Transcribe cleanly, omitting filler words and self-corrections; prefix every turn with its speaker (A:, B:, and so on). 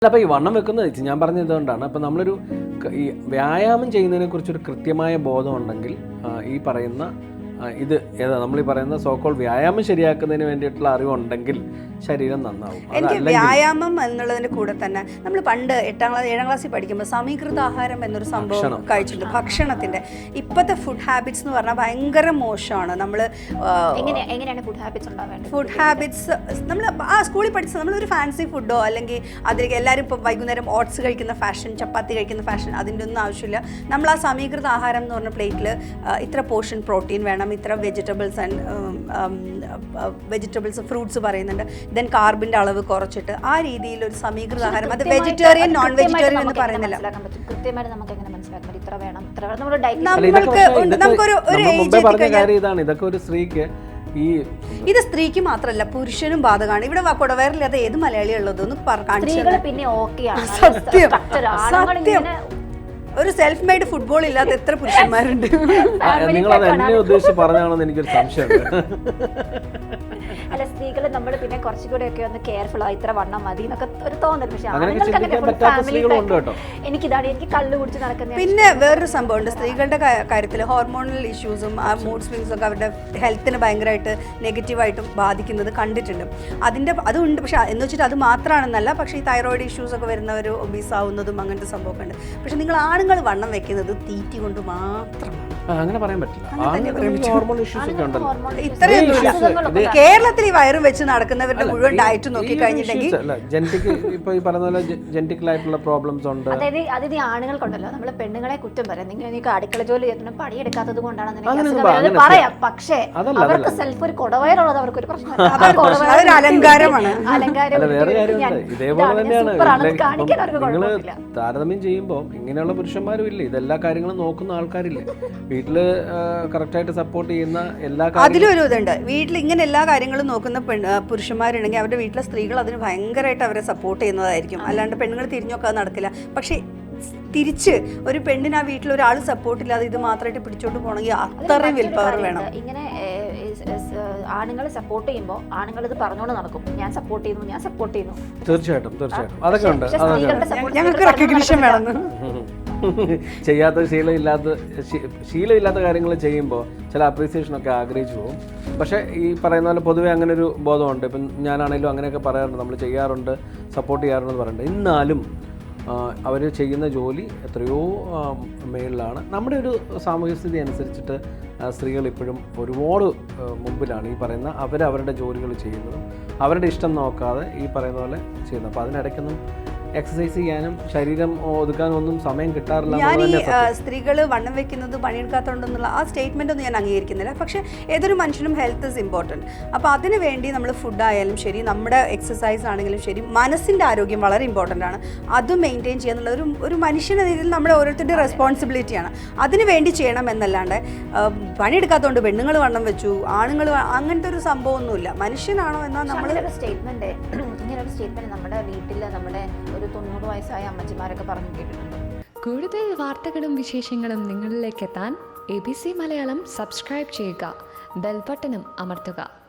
A: അപ്പോൾ ഈ വണ്ണം വെക്കുന്നത് ഞാൻ പറഞ്ഞത് ഇതുകൊണ്ടാണ്. അപ്പോൾ നമ്മളൊരു ഈ വ്യായാമം ചെയ്യുന്നതിനെ കുറിച്ചൊരു കൃത്യമായ ബോധം ഉണ്ടെങ്കിൽ ഈ പറയുന്ന ഇത് ഏതാ നമ്മളീ പറയുന്ന സോക്കോൾ വ്യായാമം ശരിയാക്കുന്നതിന് വേണ്ടിയിട്ടുള്ള അറിവുണ്ടെങ്കിൽ ശരീരം നന്നാവും.
B: എനിക്ക് വ്യായാമം എന്നുള്ളതിൻ്റെ കൂടെ തന്നെ നമ്മൾ പണ്ട് 7ാം ക്ലാസ്സിൽ പഠിക്കുമ്പോൾ സമീകൃത ആഹാരം എന്നൊരു സംഭവം കഴിച്ചിട്ടുണ്ട്. ഭക്ഷണത്തിൻ്റെ ഇപ്പോഴത്തെ ഫുഡ് ഹാബിറ്റ്സ് എന്ന് പറഞ്ഞാൽ ഭയങ്കര മോശമാണ്. നമ്മൾ
C: എങ്ങനെയാണ് ഫുഡ് ഹാബിറ്റ്സ് ഉണ്ടാവേണ്ടത്?
B: ഫുഡ് ഹാബിറ്റ്സ് നമ്മൾ സ്കൂളിൽ പഠിച്ച നമ്മളൊരു ഫാൻസി ഫുഡോ അല്ലെങ്കിൽ അതിലേക്ക് എല്ലാവരും ഇപ്പോൾ വൈകുന്നേരം ഓട്സ് കഴിക്കുന്ന ഫാഷൻ, ചപ്പാത്തി കഴിക്കുന്ന ഫാഷൻ, അതിൻ്റെ ഒന്നും ആവശ്യമില്ല. നമ്മൾ ആ സമീകൃത ആഹാരം എന്ന് പറഞ്ഞ പ്ലേറ്റിൽ ഇത്ര പോർഷൻ പ്രോട്ടീൻ വേണം, ഇത്ര വെജിറ്റബിൾസ് ഫ്രൂട്ട്സ് പറയുന്നുണ്ട്, ദെൻ കാർബിൻ്റെ അളവ് കുറച്ചിട്ട് ആ രീതിയിൽ ഒരു സമീകൃത ആഹാരം. അത് വെജിറ്റേറിയൻ നോൺ വെജിറ്റേറിയൻ എന്ന് പറയുന്നില്ല. ഇത് സ്ത്രീക്ക് മാത്രമല്ല പുരുഷനും ബാധകമാണ്. ഇവിടെ കുടവയറില്ലാതെ ഏത് മലയാളിയുള്ളത് ഒന്ന് സത്യം സത്യം. ഒരു സെൽഫ് മെയ്ഡ് ഫുട്ബോൾ ഇല്ലാത്ത എത്ര പുരുഷന്മാരുണ്ട്.
A: നിങ്ങൾ എന്നെ ഉദ്ദേശിച്ച് പറഞ്ഞാണെന്ന് എനിക്കൊരു സംശയമുണ്ട്.
C: അല്ല, സ്ത്രീകൾ നമ്മൾ പിന്നെ കുറച്ചുകൂടെ ഒക്കെ ഒന്ന് കെയർഫുൾ ആയി ഇത്ര വണ്ണം മതി എന്നൊക്കെ ഒരു തോന്നൽ. പക്ഷേ എനിക്കിതാണ്, എനിക്ക് കള്ളു കുടിച്ച് നടക്കുന്നത്.
B: പിന്നെ വേറൊരു സംഭവമുണ്ട് സ്ത്രീകളുടെ കാര്യത്തിൽ, ഹോർമോണൽ ഇഷ്യൂസും ആ മൂഡ് സ്വിങ്സും ഒക്കെ അവരുടെ ഹെൽത്തിനെ ഭയങ്കരമായിട്ട് നെഗറ്റീവായിട്ടും ബാധിക്കുന്നത് കണ്ടിട്ടുണ്ട്. അതുണ്ട്. പക്ഷെ എന്ന് വെച്ചിട്ട് അത് മാത്രമാണെന്നല്ല. പക്ഷേ ഈ തൈറോയിഡ് ഇഷ്യൂസ് ഒക്കെ വരുന്നവർ ഒബീസ് ആവുന്നതും അങ്ങനത്തെ സംഭവമൊക്കെ ഉണ്ട്. പക്ഷെ നിങ്ങൾ ആണുങ്ങൾ വണ്ണം വെക്കുന്നത് തീറ്റി കൊണ്ട് മാത്രമാണ്.
A: അങ്ങനെ പറയാൻ പറ്റില്ല.
B: കേരളത്തിൽ ഈ വയറും വെച്ച് നടക്കുന്നവരുടെ മുഴുവൻ ഡയറ്റ് നോക്കി കഴിഞ്ഞിട്ടുണ്ടെങ്കിൽ
C: അതായത് ആണുങ്ങൾക്കുണ്ടല്ലോ, നമ്മള് പെണ്ണുങ്ങളെ കുറ്റം പറയാം. നിങ്ങൾ അടുക്കള ജോലി ചെയ്യുന്ന പണിയെടുക്കാത്തത് കൊണ്ടാണ് പറയാം. പക്ഷേ അവർക്ക് സെൽഫ് ഒരു കൊടവയറുള്ളത് അവർക്കൊരു പ്രശ്നമാണ്, അലങ്കാരമാണ്.
A: താരതമ്യം ചെയ്യുമ്പോൾ ഇങ്ങനെയുള്ള പുരുഷന്മാരും ഇല്ലേ, ഇതെല്ലാ കാര്യങ്ങളും നോക്കുന്ന ആൾക്കാരില്ലേ, വീട്ടില് കറക്റ്റായിട്ട് സപ്പോർട്ട് ചെയ്യുന്ന എല്ലാ
B: അതിലൊരു ഇതുണ്ട്. വീട്ടിൽ ഇങ്ങനെ എല്ലാ കാര്യങ്ങളും നോക്കുന്ന പുരുഷന്മാരുണ്ടെങ്കിൽ അവരുടെ വീട്ടിലെ സ്ത്രീകൾ അതിന് ഭയങ്കരമായിട്ട് അവരെ സപ്പോർട്ട് ചെയ്യുന്നതായിരിക്കും. അല്ലാണ്ട് പെണ്ണുങ്ങൾ തിരിഞ്ഞൊക്കെ നടക്കില്ല. പക്ഷേ തിരിച്ച് ഒരു പെണ്ണിന് ആ വീട്ടിൽ ഒരാൾ സപ്പോർട്ട് ഇല്ലാതെ ഇത് മാത്രമായിട്ട് പിടിച്ചോണ്ട് പോകണമെങ്കിൽ അത്രയും വിൽ പവർ വേണം.
C: ഇങ്ങനെ ആണുങ്ങൾ സപ്പോർട്ട് ചെയ്യുമ്പോൾ ആണുങ്ങൾ ഇത് പറഞ്ഞുകൊണ്ട് നടക്കും, ഞാൻ സപ്പോർട്ട് ചെയ്യുന്നു.
A: തീർച്ചയായിട്ടും അതൊക്കെ ഉണ്ട്.
B: ഞങ്ങൾക്ക് റെക്കഗ്നിഷൻ വേണം.
A: ചെയ്യാത്ത ശീലമില്ലാത്ത കാര്യങ്ങൾ ചെയ്യുമ്പോൾ ചില അപ്രീസിയേഷനൊക്കെ ആഗ്രഹിച്ചു പോകും. പക്ഷേ ഈ പറയുന്ന പോലെ പൊതുവെ അങ്ങനെ ഒരു ബോധമുണ്ട്. ഇപ്പം ഞാനാണെങ്കിലും അങ്ങനെയൊക്കെ പറയാറുണ്ട്, നമ്മൾ ചെയ്യാറുണ്ട്, സപ്പോർട്ട് ചെയ്യാറുണ്ടെന്ന് പറയുന്നുണ്ട്. എന്നാലും അവർ ചെയ്യുന്ന ജോലി എത്രയോ മേളിലാണ്. നമ്മുടെ ഒരു സാമൂഹ്യ സ്ഥിതി അനുസരിച്ചിട്ട് സ്ത്രീകൾ ഇപ്പോഴും ഒരുപാട് മുമ്പിലാണ് ഈ പറയുന്ന അവരവരുടെ ജോലികൾ ചെയ്യുന്നതും അവരുടെ ഇഷ്ടം നോക്കാതെ ഈ പറയുന്ന പോലെ ചെയ്യുന്നത്. അപ്പോൾ അതിനിടയ്ക്കൊന്നും എക്സസൈസ് ചെയ്യാനും ശരീരം ഒതുക്കാനും ഒന്നും സമയം കിട്ടാറില്ല.
B: ഞാൻ ഈ സ്ത്രീകൾ വണ്ണം വെക്കുന്നത് പണിയെടുക്കാത്തതുകൊണ്ടെന്നുള്ള ആ സ്റ്റേറ്റ്മെൻ്റ് ഒന്നും ഞാൻ അംഗീകരിക്കുന്നില്ല. പക്ഷേ ഏതൊരു മനുഷ്യനും ഹെൽത്ത് ഇസ് ഇമ്പോർട്ടൻറ്റ്. അപ്പോൾ അതിന് വേണ്ടി നമ്മൾ ഫുഡായാലും ശരി, നമ്മുടെ എക്സസൈസ് ആണെങ്കിലും ശരി, മനസ്സിൻ്റെ ആരോഗ്യം വളരെ ഇമ്പോർട്ടൻ്റ് ആണ്. അത് മെയിൻറ്റെയിൻ ചെയ്യാന്നുള്ള ഒരു മനുഷ്യൻ്റെ രീതിയിൽ നമ്മുടെ ഓരോരുത്തരുടെ റെസ്പോൺസിബിലിറ്റിയാണ്. അതിന് വേണ്ടി ചെയ്യണം എന്നല്ലാണ്ട് പണിയെടുക്കാത്തതുകൊണ്ട് പെണ്ണുങ്ങൾ വണ്ണം വെച്ചു, ആണുങ്ങൾ അങ്ങനത്തെ ഒരു സംഭവമൊന്നുമില്ല. മനുഷ്യനാണോ എന്നാൽ നമ്മൾ
C: ഇങ്ങനൊരു സ്റ്റേറ്റ്മെൻറ്റ് നമ്മുടെ വീട്ടിൽ നമ്മുടെ ഒരു 90 വയസ്സായ അമ്മച്ചിമാരൊക്കെ പറഞ്ഞു കേട്ടിട്ടുണ്ട്.
D: കൂടുതൽ വാർത്തകളും വിശേഷങ്ങളും നിങ്ങളിലേക്ക് എത്താൻ ABC മലയാളം സബ്സ്ക്രൈബ് ചെയ്യുക, ബെൽ ബട്ടണും അമർത്തുക.